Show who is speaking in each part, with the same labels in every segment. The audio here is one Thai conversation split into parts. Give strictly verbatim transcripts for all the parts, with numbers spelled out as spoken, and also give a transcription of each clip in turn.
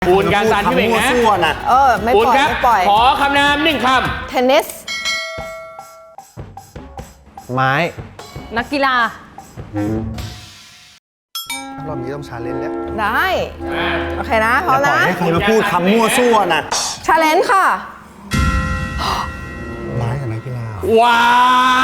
Speaker 1: ปูนการซันพี่เบ่งนะ
Speaker 2: เออไม่ปล่อยไม่ปล่อย
Speaker 1: ขอคำนามหนึ่งคำ
Speaker 2: เทนนิส
Speaker 3: ไม้
Speaker 4: นักกีฬาร
Speaker 3: อบนี้ต้องชาเลนจ์แล้ว
Speaker 2: ได้โอเคนะพร้อมนะ
Speaker 3: ให้ใครมาพูดคำมั่วซั่วนะ
Speaker 2: ชาเลนจ์ค่ะ
Speaker 3: ไม้กับนักกีฬา
Speaker 1: ว้า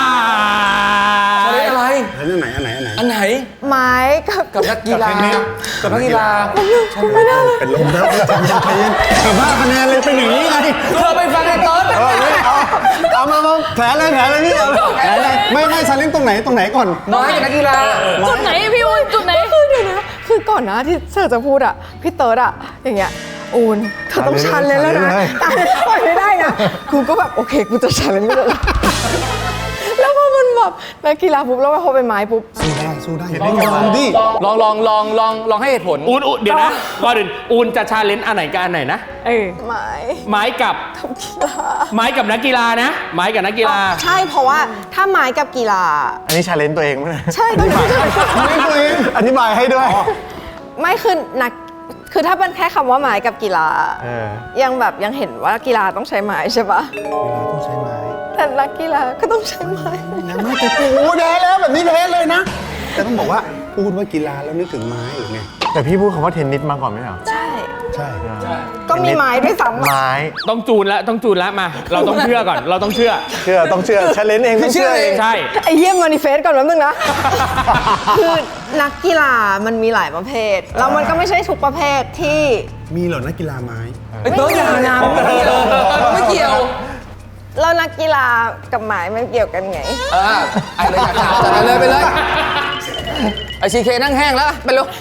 Speaker 5: อะไรอะไร
Speaker 3: อันไหนอันไหนอันไหน
Speaker 5: อันไหน
Speaker 2: ไม้กับ
Speaker 5: กับนักกีฬากับนักกีฬา
Speaker 2: คุณไม่ได้เลย
Speaker 3: เป็นลมแล้วใจเย็นใจเย็นแต่ว่าคะแนนเลยเป็นอย่างนี้ไง
Speaker 5: เธอไปฟังไอ้เติร์ด
Speaker 3: เออเอาเอามามาแผลเลยแผลเลยพี่เอาแผลเลยไม่ไม่ชาเลนจ์ตรงไหนตรงไหนก่อน
Speaker 5: ไม้กับนักกีฬา
Speaker 4: จุดไหนพี่อุ้ยจุดไหน
Speaker 2: คือเดี๋ยวนะคือก่อนนะที่เธอจะพูดอ่ะพี่เติร์ดอ่ะอย่างเงี้ยอูนเธอต้องชันเลยแล้วนะแต่ปล่อยไม่ได้นะกูก็แบบโอเคกูจะชันเลยไม่ได้แล้วพอมันแบบนักกีฬาปุ๊บแล้วพอเป็นไม้ปุ๊บ
Speaker 3: สู้ได้สู้ได้อย่าได้ยอมดิ
Speaker 5: ลองลองลองลองลองให้เหตุผล
Speaker 1: อูนอูนเดี๋ยวนะก่อนอื่นอูนจะชาเลนจ์อันไหนกับอันไหนนะ
Speaker 4: เออ
Speaker 2: ไม้
Speaker 1: ไม้กับ
Speaker 2: กับกีฬา
Speaker 1: ไม้กับนักกีฬานะ ไม้กับนักกีฬา
Speaker 2: ใช่เพราะว่าถ้าไม้กับกีฬา
Speaker 3: อันนี้ชาเลนจ์ตัวเองไหม
Speaker 2: ใช่ต้อง
Speaker 3: ไม่ตัวเองอธิบายให้ด้วย
Speaker 2: ไม่คือนักคือถ้าเป็นแค่คำว่าไม้กับกีฬา
Speaker 3: เออ
Speaker 2: ยังแบบยังเห็นว่ากีฬาต้องใช้ไม้ใช่ปะ
Speaker 3: เวลาต้องใช้ไม้
Speaker 2: แต่นักกีฬาก็ต้องใช้ไม้
Speaker 3: ยังไม่แต่โอ้แพ้แล้วแบบนี้แพ้เลยนะแต่ต้องบอกว่าพูดว่ากีฬาแล้วนึกถึงไม้หรือไงแต่พี่พูดคำว่าเทนนิสมาก่อนไหมเหรอ
Speaker 2: ใช่
Speaker 3: ใช่
Speaker 2: ก็มีไม้ด้วยซ้ำอะ
Speaker 3: ไม้
Speaker 1: ต้องจูนแล้วต้องจูนแล้วมา เราต้องเชื่อก่อน เราต้องเชื่อ
Speaker 3: เชื่อต้องเชื่อชาเลนจ์เองต้องเชื่อเอง
Speaker 1: ใช่
Speaker 2: ไอ้เยี่ยมมานิเฟสก่อนแป๊บนึงนะ คือนักกีฬามันมีหลายประเภท แล้วมันก็ไม่ใช่ทุกประเภทที่
Speaker 3: มีเหรอนักกีฬาไม้
Speaker 5: ไอ้เติร์ดอย่านะไม่เกี่ยวไม่เกี่ยว
Speaker 2: แล้วนักกีฬากับไม้มันเกี่ยวกันไง
Speaker 5: เออไอ้เลยจัดจัดไปเลยไปเลยไอซีเคนั่งแห้งแล้วไปเร็ว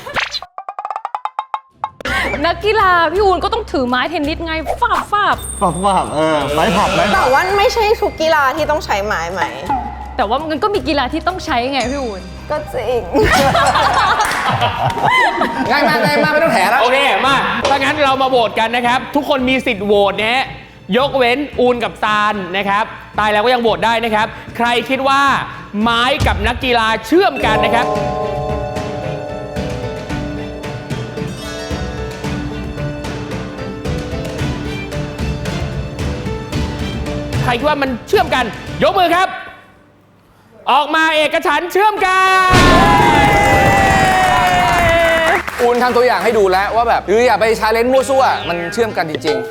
Speaker 4: นักกีฬาพี่อูนก็ต้องถือไม้เทนนิสไงฟาบฟาบ
Speaker 3: ฝับฝับเออไม้ผับไม้ผั
Speaker 2: แต่
Speaker 3: บ
Speaker 2: ว่าไม่ใช่ทุกกีฬาที่ต้องใช้ไม้ไหม
Speaker 4: แต่ว่ามันก็มีกีฬาที่ต้องใช้ไงพี่อูน
Speaker 2: ก็จริง
Speaker 5: ง่ายมากง่ายมากไม่ต้องแถแล้ว
Speaker 1: โอเค มา ถ้างั้นเรามาโหวตกันนะครับ ทุกคนมีสิทธิ์โหวตนะฮะ ยกเว้นอูนกับซานนะครับ ตายแล้วก็ยังโหวตได้นะครับ ใครคิดว่าไม้กับนักกีฬาเชื่อมกันนะครับ ใครคิดว่ามันเชื่อมกัน ยกมือครับ ออกมาเอกฉันท์เชื่อมกัน
Speaker 5: อูนทำตัวอย่างให้ดูแล้วว่าแบบหรืออย่าไปชาเลนจ์มั่วซั่วมันเชื่อมกันจริงๆ